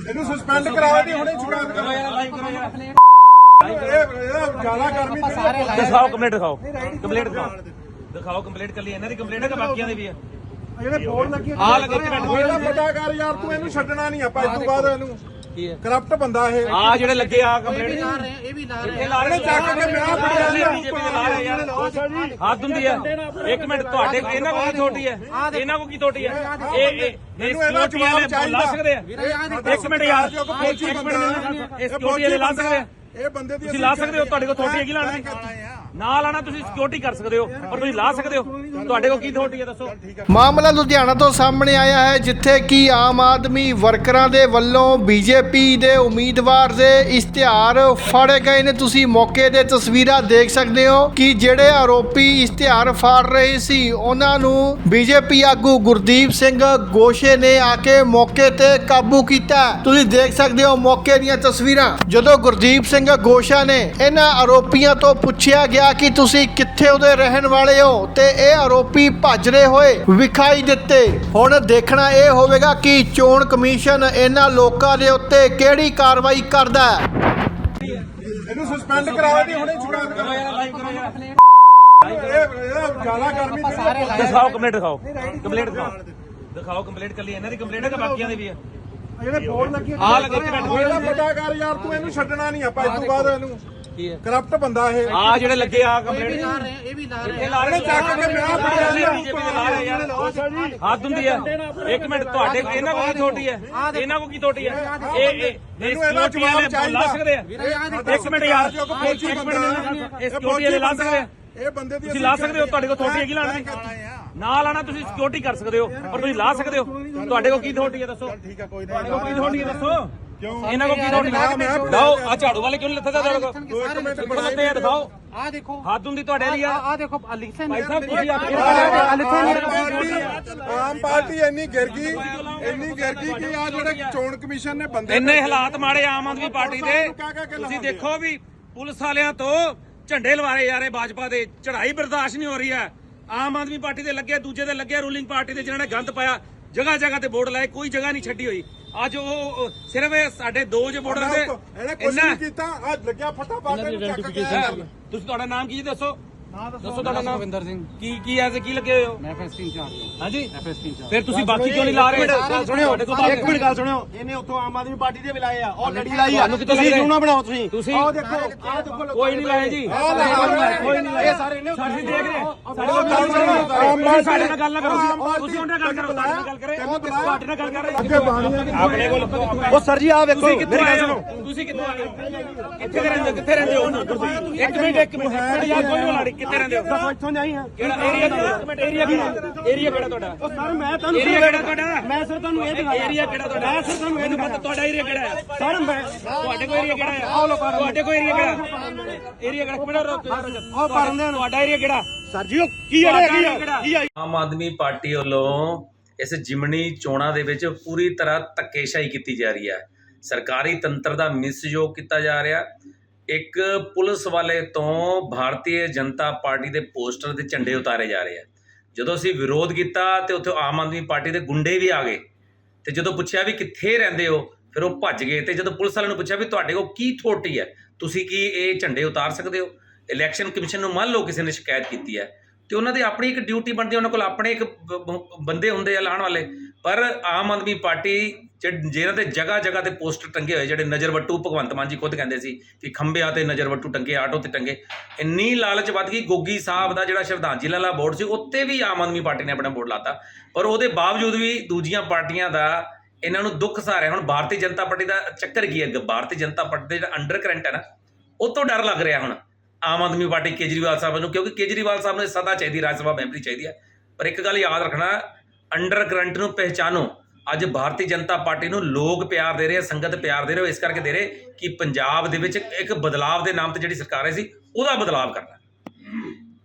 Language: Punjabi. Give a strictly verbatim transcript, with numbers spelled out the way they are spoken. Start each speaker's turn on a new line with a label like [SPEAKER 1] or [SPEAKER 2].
[SPEAKER 1] ਇਹਨੂੰ ਸਸਪੈਂਡ ਕਰਾਓ ਤੇ ਹੁਣੇ ਸ਼ਿਕਾਇਤ ਕਰੋ ਯਾਰ, ਲਾਈਵ ਕਰੋ ਯਾਰ। ਇਹ ਜ਼ਿਆਦਾ ਗਰਮੀ
[SPEAKER 2] ਦਿਖਾਓ ਕੰਪਲੀਟ ਦਿਖਾਓ ਕੰਪਲੀਟ ਦਿਖਾਓ ਦਿਖਾਓ ਕੰਪਲੀਟ ਕੱਲੀ ਇਹਨਾਂ ਦੀ ਕੰਪਲੀਟ ਹੈ ਕਿ ਬਾਕੀਆਂ ਦੀ ਵੀ ਹੈ
[SPEAKER 1] ਜਿਹੜੇ ਬੋਰਡ ਲੱਗੇ
[SPEAKER 2] ਆ ਲੱਗੇ ਇੱਕ ਮਿੰਟ
[SPEAKER 1] ਇਹਦਾ ਪਤਾ ਕਰ ਯਾਰ, ਤੂੰ ਇਹਨੂੰ ਛੱਡਣਾ ਨਹੀਂ ਆਪਾਂ ਇਸ ਤੋਂ ਬਾਅਦ ਇਹਨੂੰ
[SPEAKER 2] ਕੀ ਹੈ
[SPEAKER 1] ਕਰਪਟ ਬੰਦਾ ਇਹ
[SPEAKER 2] ਆ ਜਿਹੜੇ ਲੱਗੇ ਆ ਕੰਪਲੀਟ
[SPEAKER 3] ਇਹ ਵੀ ਲਾ ਰਹੇ
[SPEAKER 2] ਇਹ ਲਾ ਰਹੇ
[SPEAKER 1] ਚੱਕ ਕੇ ਮੈਂ ਫੜਿਆ
[SPEAKER 2] ਬੀਜੇਪੀ ਦੇ ਲਾ ਰਹੇ ਯਾਰ ਹੱਦ ਹੁੰਦੀ ਹੈ। ਇੱਕ ਮਿੰਟ ਤੁਹਾਡੇ ਇਹਨਾਂ ਕੋਲ ਕੀ ਥੋਟੀ ਹੈ ਇਹਨਾਂ ਕੋਲ ਕੀ ਥੋਟੀ ਹੈ ਇਹ ਇਹ
[SPEAKER 1] ਮੈਨੂੰ ਇਹਦਾ ਜਵਾਬ ਚਾਹੀਦਾ।
[SPEAKER 2] ਲਾ ਸਕਦੇ ਆ ਇੱਕ ਮਿੰਟ ਯਾਰ ਇੱਕ ਮਿੰਟ ਇਹ ਸਿਕਿਉਰਿਟੀ ਵਾਲੇ ਲਾ ਸਕਦੇ ਆ
[SPEAKER 1] ਇਹ ਬੰਦੇ ਦੀ
[SPEAKER 2] ਤੁਸੀਂ ਲਾ ਸਕਦੇ ਹੋ ਤੁਹਾਡੇ ਕੋਲ ਥੋਟੀ ਹੈਗੀ ਲਾਣ ਦੀ ਨਾ ਲਾਣਾ ਤੁਸੀਂ ਸਿਕਿਉਰਿਟੀ ਕਰ ਸਕਦੇ ਹੋ ਪਰ ਤੁਸੀਂ ਲਾ ਸਕਦੇ ਹੋ ਤੁਹਾਡੇ ਕੋਲ ਕੀ ਥੋਟੀ ਹੈ ਦੱਸੋ।
[SPEAKER 4] ਮਾਮਲਾ ਲੁਧਿਆਣਾ ਤੋਂ ਸਾਹਮਣੇ ਆਇਆ ਹੈ ਜਿੱਥੇ ਕਿ ਆਮ ਆਦਮੀ ਵਰਕਰਾਂ ਦੇ ਵੱਲੋਂ ਬੀਜੇਪੀ ਦੇ ਉਮੀਦਵਾਰ ਦੇ ਇਸ਼ਤਿਹਾਰ ਫਾੜੇ ਗਏ ਨੇ। ਤੁਸੀਂ ਮੌਕੇ ਦੇ ਤਸਵੀਰਾਂ ਦੇਖ ਸਕਦੇ ਹੋ ਕਿ ਜਿਹੜੇ ਆਰੋਪੀ ਇਸ਼ਤਿਹਾਰ ਫਾੜ ਰਹੇ ਸੀ ਉਹਨਾਂ ਨੂੰ ਬੀਜੇਪੀ ਆਗੂ ਗੁਰਦੀਪ ਸਿੰਘ ਗੋਸ਼ੇ ਨੇ ਆ ਕੇ ਮੌਕੇ ਤੇ ਕਾਬੂ ਕੀਤਾ। ਤੁਸੀਂ ਦੇਖ ਸਕਦੇ ਹੋ ਮੌਕੇ ਦੀਆਂ ਤਸਵੀਰਾਂ। ਜਦੋਂ ਗੁਰਦੀਪ ਸਿੰਘ ਗੋਸ਼ਾ ਨੇ ਇਹਨਾਂ ਆਰੋਪੀਆਂ ਤੋਂ ਪੁੱਛਿਆ ਗਿਆ ਕਿ ਤੁਸੀਂ ਕਿੱਥੇ ਉਹਦੇ ਰਹਿਣ ਵਾਲੇ ਹੋ ਤੇ ਇਹ ਆਰੋਪੀ ਭੱਜ ਰਹੇ ਹੋਏ ਵਿਖਾਈ ਦਿੱਤੇ। ਹੁਣ ਦੇਖਣਾ ਇਹ ਹੋਵੇਗਾ ਕਿ ਚੋਣ ਕਮਿਸ਼ਨ ਇਹਨਾਂ ਲੋਕਾਂ ਦੇ ਉੱਤੇ ਕਿਹੜੀ ਕਾਰਵਾਈ ਕਰਦਾ ਹੈ।
[SPEAKER 1] ਇਹਨੂੰ ਸਸਪੈਂਡ ਕਰਾਓ ਤੇ ਹੁਣੇ ਸ਼ਿਕਾਇਤ ਕਰੋ ਯਾਰ, ਲਾਈਵ ਕਰੋ ਯਾਰ। ਇਹ ਜ਼ਿਆਦਾ ਗਰਮੀ
[SPEAKER 2] ਦਿਖਾਓ ਕੰਪਲੀਟ ਦਿਖਾਓ ਕੰਪਲੀਟ ਦਿਖਾਓ ਦਿਖਾਓ ਕੰਪਲੀਟ ਕੱਲੀ ਇਹਨਾਂ ਦੀ ਕੰਪਲੀਟ ਹੈ ਕਿ ਬਾਕੀਆਂ ਦੀ ਵੀ ਹੈ
[SPEAKER 1] ਜਿਹੜੇ ਬੋਰਡ ਲੱਗੇ
[SPEAKER 2] ਆ ਲੱਗੇ ਇੱਕ ਮਿੰਟ
[SPEAKER 1] ਇਹਦਾ ਪਤਾ ਕਰ ਯਾਰ, ਤੂੰ ਇਹਨੂੰ ਛੱਡਣਾ ਨਹੀਂ ਆਪਾਂ ਇਸ ਤੋਂ ਬਾਅਦ ਇਹਨੂੰ
[SPEAKER 2] ਕੀ ਹੈ
[SPEAKER 1] ਕਰਪਟ ਬੰਦਾ ਇਹ
[SPEAKER 2] ਆ ਜਿਹੜੇ ਲੱਗੇ ਆ ਕੰਪਲੀਟ
[SPEAKER 3] ਇਹ ਵੀ ਲਾ ਰਹੇ
[SPEAKER 2] ਇਹ ਲਾ ਰਹੇ
[SPEAKER 1] ਚੱਕ ਕੇ ਮੈਂ ਫੜਿਆ
[SPEAKER 2] ਬੀਜੇਪੀ ਦੇ ਲਾ ਰਹੇ ਯਾਰ ਹੱਦ ਹੁੰਦੀ ਹੈ। ਇੱਕ ਮਿੰਟ ਤੁਹਾਡੇ ਇਹਨਾਂ ਕੋਲ ਕੀ ਥੋਟੀ ਹੈ ਇਹਨਾਂ ਕੋਲ ਕੀ ਥੋਟੀ ਹੈ ਇਹ ਇਹ
[SPEAKER 1] ਮੈਨੂੰ ਇਹਦਾ ਜਵਾਬ ਚਾਹੀਦਾ।
[SPEAKER 2] ਲਾ ਸਕਦੇ ਆ ਇੱਕ ਮਿੰਟ ਯਾਰ ਇੱਕ ਮਿੰਟ ਇਹ ਸਿਕਿਉਰਿਟੀ ਵਾਲੇ ਲਾ ਸਕਦੇ ਆ
[SPEAKER 1] ਇਹ ਬੰਦੇ ਦੀ
[SPEAKER 2] ਤੁਸੀਂ ਲਾ ਸਕਦੇ ਹੋ ਤੁਹਾਡੇ ਕੋਲ ਥੋਟੀ ਹੈਗੀ ਲਾਣ ਦੀ ਨਾ ਲਾਣਾ ਤੁਸੀਂ ਸਿਕਿਉਰਿਟੀ ਕਰ ਸਕਦੇ ਹੋ ਪਰ ਤੁਸੀਂ ਲਾ ਸਕਦੇ ਹੋ ਤੁਹਾਡੇ ਕੋਲ ਕੀ ਥੋਟੀ ਹੈ ਦੱਸੋ।
[SPEAKER 1] ਠੀਕ ਹੈ, ਕੋਈ
[SPEAKER 2] ਤੁਹਾਡੇ ਕੋਲ ਕੀ ਥੋਟੀ ਹੈ ਦੱਸੋ
[SPEAKER 1] ਕਿਉਂ
[SPEAKER 2] ਇਹਨਾਂ ਕੋਲ ਕੀ ਥੋਟੀ ਹੈ ਦਿਖਾਓ ਆ ਝਾੜੂ ਵਾਲੇ ਕਿਉਂ ਨਹੀਂ ਲੱਥਦਾ ਤੁਹਾਡੇ ਕੋਲ
[SPEAKER 1] ਇੱਕ ਮਿੰਟ
[SPEAKER 2] ਕਿੱਥੋਂ ਲੱਥੇ ਆ ਦਿਖਾਓ
[SPEAKER 3] ਆ ਦੇਖੋ
[SPEAKER 2] ਹੱਦ ਹੁੰਦੀ ਤੁਹਾਡੇ ਲਈ ਆ
[SPEAKER 3] ਆ ਦੇਖੋ ਲਿਖਿਆ
[SPEAKER 2] ਭਾਈ ਸਾਹਿਬ ਤੁਸੀਂ
[SPEAKER 1] ਆਮ ਪਾਰਟੀ ਇੰਨੀ ਗਿਰ ਗਈ ਇੰਨੀ ਗਿਰ ਗਈ ਕਿ ਆ ਜਿਹੜੇ ਚੋਣ ਕਮਿਸ਼ਨ ਨੇ ਬੰਦੇ
[SPEAKER 2] ਇੰਨੇ ਹਾਲਾਤ ਮਾੜੇ ਆਮ ਆਦਮੀ ਪਾਰਟੀ ਦੇ ਤੁਸੀਂ ਦੇਖੋ ਵੀ ਪੁਲਿਸ ਵਾਲਿਆਂ ਤੋਂ ਝੰਡੇ ਲਵਾਰੇ ਜਾ ਰਹੇ ਭਾਜਪਾ ਦੇ ਚੜ੍ਹਾਈ ਬਰਦਾਸ਼ਤ ਨਹੀਂ ਹੋ ਰਹੀ ਹੈ। ਆਮ ਆਦਮੀ ਪਾਰਟੀ ਦੇ ਲੱਗੇ ਦੂਜੇ ਦੇ ਲੱਗੇ ਰੂਲਿੰਗ ਪਾਰਟੀ ਦੇ ਜਿਹਨਾਂ ਨੇ ਗੰਦ ਪਾਇਆ ਜਗ੍ਹਾ ਜਗ੍ਹਾ ਤੇ ਬੋਰਡ ਲਾਏ ਕੋਈ ਜਗ੍ਹਾ ਨਹੀਂ ਛੱਡੀ ਹੋਈ। ਅੱਜ ਉਹ ਸਿਰਫ ਸਾਡੇ ਦੋ ਜੇ ਬੋਰਡਰ ਦੇ
[SPEAKER 1] ਇਹਨੇ ਕੁਝ ਨਹੀਂ ਕੀਤਾ। ਅੱਜ ਲੱਗਿਆ ਫਟਾ ਪਾ ਕੇ ਚੱਕ ਕੇ
[SPEAKER 2] ਤੁਸੀਂ ਤੁਹਾਡਾ ਨਾਮ ਕੀ ਜੀ ਦੱਸੋ ਦੱਸੋ ਤੁਹਾਡਾ ਨਾਮ
[SPEAKER 3] ਰਵਿੰਦਰ ਸਿੰਘ
[SPEAKER 2] ਕੀ ਕੀ ਐਸੇ ਕੀ ਲੱਗੇ ਹੋਏ ਹੋ
[SPEAKER 3] ਮੈਂ ਐਫਐਸਟੀ ਇੰਚਾਰਜ
[SPEAKER 2] ਹਾਂਜੀ
[SPEAKER 3] ਐਫਐਸਟੀ ਇੰਚਾਰਜ
[SPEAKER 2] ਫਿਰ ਤੁਸੀਂ ਬਾਕੀ ਕਿਉਂ ਨਹੀਂ ਲਾ ਰਹੇ
[SPEAKER 5] ਸੁਣਿਓ ਇੱਕ ਮਿੰਟ ਗੱਲ ਸੁਣਿਓ। ਇਹਨੇ ਉੱਥੋਂ ਆਮ ਆਦਮੀ ਪਾਰਟੀ ਦੇ ਵੀ ਲਾਏ ਆ ਔਰ ਲੜੀ ਲਾਈ ਆ।
[SPEAKER 2] ਤੁਹਾਨੂੰ ਕਿੱਥੋਂ
[SPEAKER 5] ਤੁਸੀਂ
[SPEAKER 2] ਲੱਗ
[SPEAKER 5] ਜੂਨਾ ਬਣਾਓ ਤੁਸੀਂ
[SPEAKER 2] ਤੁਸੀਂ
[SPEAKER 5] ਆਹ ਦੇਖੋ ਆਹ ਦੇਖੋ
[SPEAKER 2] ਕੋਈ ਨਹੀਂ ਲਾਏ ਜੀ
[SPEAKER 5] ਕੋਈ ਨਹੀਂ ਲਾਏ ਸਾਰੇ ਇਹਨੇ
[SPEAKER 2] ਅਸੀਂ ਦੇਖ ਰਹੇ ਸਾਡੇ ਸਾਡੇ ਨਾਲ ਗੱਲ ਨਾ ਕਰੋ ਤੁਸੀਂ ਉਹਨਾਂ ਨਾਲ ਗੱਲ ਕਰੋ ਸਾਡੇ ਨਾਲ ਗੱਲ ਕਰੇ ਤੁਹਾਡੇ ਨਾਲ ਗੱਲ ਕਰ ਰਹੇ ਆਪਣੇ ਕੋਲ
[SPEAKER 5] ਉਹ ਸਰ ਜੀ ਆਹ ਵੇਖੋ
[SPEAKER 2] ਤੁਸੀਂ ਕਿੱਥੋਂ ਆਏ ਹੋ ਤੁਸੀਂ ਕਿੱਥੋਂ ਆਏ ਹੋ ਕਿੱਥੇ ਰਹਿੰਦੇ ਕਿੱਥੇ ਰਹਿੰਦੇ ਹੋ ਇੱਕ ਮਿੰਟ ਇੱਕ ਮਿੰਟ ਯਾਰ ਕੋਈ ਨਹੀਂ ਲੜੀ ਕਿੱਥੇ ਰਹਿੰਦੇ ਹੋ
[SPEAKER 5] ਇੱਥੋਂ ਨਹੀਂ ਆ
[SPEAKER 2] ਕਿਹੜਾ ਏਰੀਆ ਇੱਕ ਮਿੰਟ ਏਰੀਆ ਕਿਹੜਾ ਏਰੀਆ ਕਿਹੜਾ ਤੁਹਾਡਾ
[SPEAKER 5] ਉਹ ਸਰ ਮੈਂ ਤੁਹਾਨੂੰ
[SPEAKER 2] ਏਰੀਆ ਕਿਹੜਾ ਤੁਹਾਡਾ
[SPEAKER 5] ਮੈਂ ਸਰ ਤੁਹਾਨੂੰ ਇਹ ਦਿਖਾਇਆ
[SPEAKER 2] ਏਰੀਆ ਕਿਹੜਾ ਤੁਹਾਡਾ
[SPEAKER 5] ਮੈਂ ਸਰ ਤੁਹਾਨੂੰ ਇਹ ਦਿਖਾਇਆ
[SPEAKER 2] ਤੁਹਾਡਾ ਏਰੀਆ ਕਿਹੜਾ ਹੈ
[SPEAKER 5] ਸਰ ਮੈਂ
[SPEAKER 2] ਤੁਹਾਡੇ ਕੋਲ ਏਰੀਆ ਕਿਹੜਾ ਹੈ ਤੁਹਾਡੇ ਕੋਲ ਏਰੀਆ ਕਿਹੜਾ ਏਰੀਆ ਕਿਹੜਾ ਕਿਹੜਾ
[SPEAKER 5] ਉਹ ਕਰਨ ਦੇਣ
[SPEAKER 2] ਤੁਹਾਡਾ ਏਰੀਆ ਕਿਹੜਾ
[SPEAKER 5] ਸਰ ਜੀ ਉਹ ਕੀ ਹੈ ਕੀ ਆ
[SPEAKER 6] ਆਮ ਆਦਮੀ ਪਾਰਟੀ ਵੱਲੋਂ ਇਸ ਜਿਮਣੀ ਚੋਣਾਂ ਦੇ ਵਿੱਚ ਪੂਰੀ ਤਰ੍ਹਾਂ ਧੱਕੇਸ਼ਾਹੀ ਕੀਤੀ ਜਾ ਰਹੀ ਹੈ। ਸਰਕਾਰੀ ਤੰਤਰ ਦਾ ਮਿਸਯੋਗ ਕੀਤਾ ਜਾ ਰਿਹਾ। ਇੱਕ ਪੁਲਿਸ ਵਾਲੇ ਤੋਂ ਭਾਰਤੀ ਜਨਤਾ ਪਾਰਟੀ ਦੇ ਪੋਸਟਰ ਦੇ ਝੰਡੇ ਉਤਾਰੇ ਜਾ ਰਹੇ ਆ। ਜਦੋਂ ਅਸੀਂ ਵਿਰੋਧ ਕੀਤਾ ਤੇ ਉੱਥੇ ਆਮ ਆਦਮੀ ਪਾਰਟੀ ਦੇ ਗੁੰਡੇ ਵੀ ਆ ਗਏ ਤੇ ਜਦੋਂ ਪੁੱਛਿਆ ਵੀ ਕਿੱਥੇ ਰਹਿੰਦੇ ਹੋ ਫਿਰ ਉਹ ਭੱਜ ਗਏ। ਤੇ ਜਦੋਂ ਪੁਲਿਸ ਵਾਲਿਆਂ ਨੂੰ ਪੁੱਛਿਆ ਵੀ ਤੁਹਾਡੇ ਕੋਲ ਕੀ ਅਥਾਰਟੀ ਹੈ ਤੁਸੀਂ ਕੀ ਇਹ ਝੰਡੇ ਉਤਾਰ ਸਕਦੇ ਹੋ। ਇਲੈਕਸ਼ਨ ਕਮਿਸ਼ਨ ਨੂੰ ਮੰਨ ਲਓ ਕਿਸੇ ਨੇ ਸ਼ਿਕਾਇਤ ਕੀਤੀ ਹੈ ਤੇ ਉਹਨਾਂ ਦੀ ਆਪਣੀ ਇੱਕ ਡਿਊਟੀ ਬਣਦੀ, ਉਹਨਾਂ ਕੋਲ ਆਪਣੇ ਇੱਕ ਬੰਦੇ ਹੁੰਦੇ ਆ ਲਾਉਣ ਵਾਲੇ। ਪਰ ਆਮ ਆਦਮੀ ਪਾਰਟੀ ਜਿਹਨਾਂ ਤੇ ਜਗ੍ਹਾ ਜਗ੍ਹਾ ਤੇ ਪੋਸਟਰ ਟੰਗੇ ਹੋਏ ਜਿਹੜੇ ਨਜ਼ਰ ਵੱਟੂ ਭਗਵੰਤ ਮਾਨ ਜੀ ਖੁਦ ਕਹਿੰਦੇ ਸੀ ਕਿ ਖੰਭਿਆਂ ਤੇ ਨਜ਼ਰ ਵੱਟੂ ਟੰਗੇ ਆਟੋ ਤੇ ਟੰਗੇ, ਇੰਨੀ ਲਾਲਚ ਵੱਧ ਗਈ। ਗੋਗੀ ਸਾਹਿਬ ਦਾ ਜਿਹੜਾ ਸ਼ਰਧਾਂਜਲੀ ਵਾਲਾ ਬੋਰਡ ਸੀ ਉੱਤੇ ਵੀ ਆਮ ਆਦਮੀ ਪਾਰਟੀ ਨੇ ਆਪਣਾ ਬੋਰਡ ਲਾਤਾ ਪਰ ਉਹਦੇ ਬਾਵਜੂਦ ਵੀ ਦੂਜੀਆਂ ਪਾਰਟੀਆਂ ਦਾ ਇਹਨਾਂ ਨੂੰ ਦੁੱਖ ਸਹਾਰਿਆ। ਹੁਣ ਭਾਰਤੀ ਜਨਤਾ ਪਾਰਟੀ ਦਾ ਚੱਕਰ ਕੀ ਹੈ, ਭਾਰਤੀ ਜਨਤਾ ਪਾਰਟੀ ਦਾ ਜਿਹੜਾ ਅੰਡਰ ਕਰੰਟ ਹੈ ਨਾ ਉਹ ਤੋਂ ਡਰ ਲੱਗ ਰਿਹਾ ਹੁਣ ਆਮ ਆਦਮੀ ਪਾਰਟੀ ਕੇਜਰੀਵਾਲ ਸਾਹਿਬ ਨੂੰ, ਕਿਉਂਕਿ ਕੇਜਰੀਵਾਲ ਸਾਹਿਬ ਨੂੰ ਸਦਾ ਚਾਹੀਦੀ ਰਾਜ ਸਭਾ ਮੈਂਬਰੀ ਚਾਹੀਦੀ ਹੈ। ਪਰ ਇੱਕ ਗੱਲ ਯਾਦ ਰੱਖਣਾ, ਅੰਡਰ ਕਰੰਟ ਨੂੰ ਪਹਿਚਾਨੋ। ਅੱਜ ਭਾਰਤੀ ਜਨਤਾ ਪਾਰਟੀ ਨੂੰ ਲੋਕ ਪਿਆਰ ਦੇ ਰਹੇ, ਸੰਗਤ ਪਿਆਰ ਦੇ ਰਹੇ, ਇਸ ਕਰਕੇ ਦੇ ਰਹੇ ਕਿ ਪੰਜਾਬ ਦੇ ਵਿੱਚ ਇੱਕ ਬਦਲਾਵ ਦੇ ਨਾਮ ਤੇ ਜਿਹੜੀ ਸਰਕਾਰ ਆਈ ਸੀ ਉਹਦਾ ਬਦਲਾਵ ਕਰਨਾ।